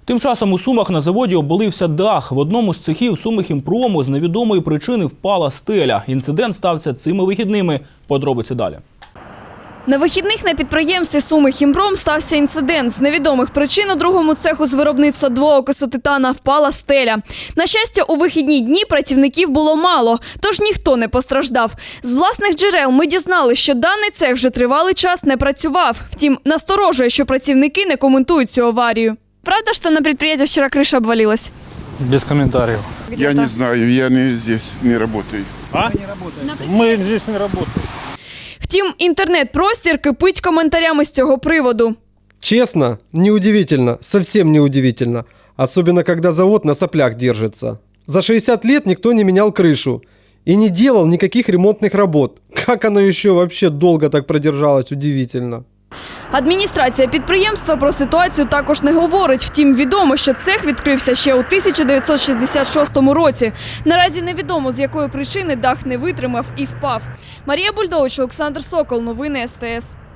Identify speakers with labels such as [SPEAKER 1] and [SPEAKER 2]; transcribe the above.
[SPEAKER 1] Тим часом у Сумах на заводі обвалився дах. В одному з цехів Сумихімпрому з невідомої причини впала стеля. Інцидент стався цими вихідними. Подробиці далі.
[SPEAKER 2] На вихідних на підприємстві Сумихімпром стався інцидент. З невідомих причин у другому цеху з виробництва двоокису титана впала стеля. На щастя, у вихідні дні працівників було мало, тож ніхто не постраждав. З власних джерел ми дізнали, що даний цех вже тривалий час не працював. Втім, насторожує, що працівники не коментують цю аварію. Правда, що на підприємстві вчора криша обвалилась?
[SPEAKER 3] Без комментариев.
[SPEAKER 4] Я не знаю, я не здесь не работаю.
[SPEAKER 3] Мы здесь не работаем.
[SPEAKER 2] Втім, інтернет-простір кипить коментарями з цього приводу.
[SPEAKER 5] Честно, неудивительно, совсем неудивительно. Особенно, когда завод на соплях держится. За 60 лет никто не менял крышу и не делал никаких ремонтных работ. Как оно еще вообще долго так продержалось, удивительно.
[SPEAKER 2] Адміністрація підприємства про ситуацію також не говорить. Втім, відомо, що цех відкрився ще у 1966 році. Наразі невідомо, з якої причини дах не витримав і впав. Марія Бульдович, Олександр Сокол. Новини СТС.